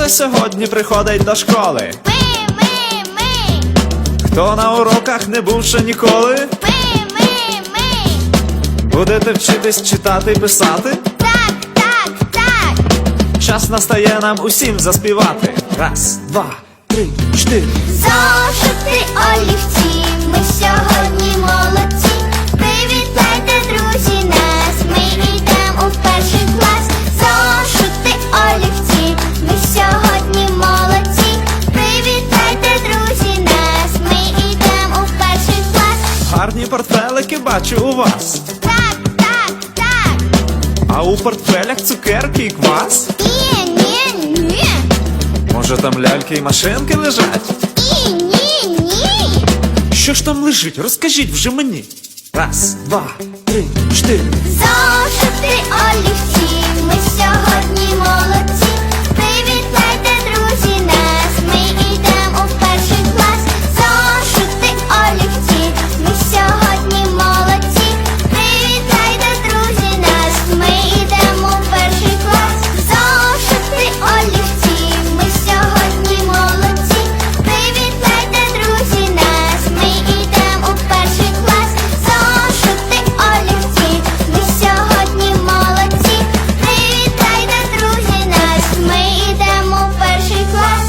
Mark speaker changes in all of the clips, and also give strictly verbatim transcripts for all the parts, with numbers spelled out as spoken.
Speaker 1: це сьогодні приходить до школи?
Speaker 2: Ми, ми, ми.
Speaker 1: Хто на уроках не був ще ніколи?
Speaker 2: Ми, ми, ми.
Speaker 1: Будете вчитись читати й писати?
Speaker 2: Так, так, так.
Speaker 1: Час настає нам усім заспівати. Раз, два, три, чотири.
Speaker 2: Зошити, олівці, ми сьогодні молодці. Привітайте, друзі, нас, ми йдемо у перший клас. Зошити, олівці, ми сьогодні молодці. Привітайте, друзі, нас, ми йдемо у перший клас.
Speaker 1: Гарні портфелики бачу у вас.
Speaker 2: Так, так, так.
Speaker 1: А у портфелях цукерки і квас?
Speaker 2: Ні, ні, ні.
Speaker 1: Може там ляльки і машинки лежать?
Speaker 2: Ні, ні, ні.
Speaker 1: Що ж там лежить? Розкажіть вже мені. Раз, два, три, чотири.
Speaker 2: Зошити, олівці, ми сьогодні молодці. Привітайте, друзі, нас, ми йдемо у перший клас. Зошити, олівці, ми сьогодні молодці. Привітайте, друзі, нас, ми йдемо у перший клас. Зошити, олівці, ми сьогодні молодці. Привітайте, друзі, нас, ми йдемо у перший клас. Зошити, олівці, ми сьогодні молодці. Привітайте, друзі, нас, ми йдемо у перший клас.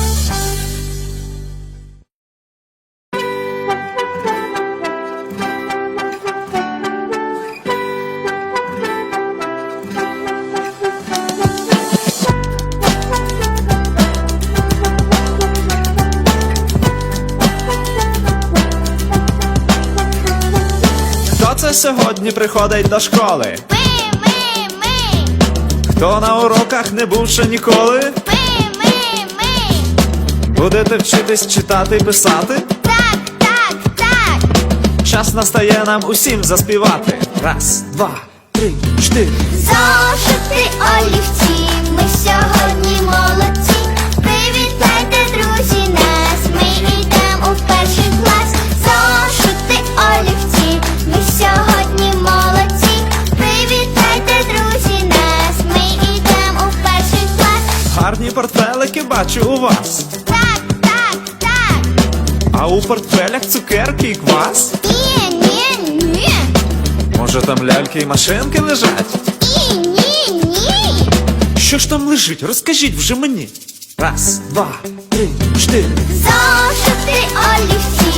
Speaker 1: Хто це сьогодні приходить до школи?
Speaker 2: Ми, ми, ми.
Speaker 1: Хто на уроках не був ще ніколи?
Speaker 2: Ми, ми, ми.
Speaker 1: Будете вчитись читати й писати?
Speaker 2: Так, так, так.
Speaker 1: Час настає нам усім заспівати. Раз, два, три, чотири.
Speaker 2: Зошити, олівці, ми сьогодні молодці. Привітайте, друзі, нас, ми йдемо у перший клас. Зошити, олівці, ми сьогодні молодці. Привітайте, друзі, нас, ми йдемо у перший клас.
Speaker 1: Гарні портфелики бачу у вас.
Speaker 2: Так, так, так.
Speaker 1: А у портфелях цукерки і квас?
Speaker 2: Ні, ні, ні.
Speaker 1: Може там ляльки і машинки лежать?
Speaker 2: Ні, ні, ні.
Speaker 1: Що ж там лежить? Розкажіть вже мені. Раз, два, три, чотири.
Speaker 2: Зошити, олівці,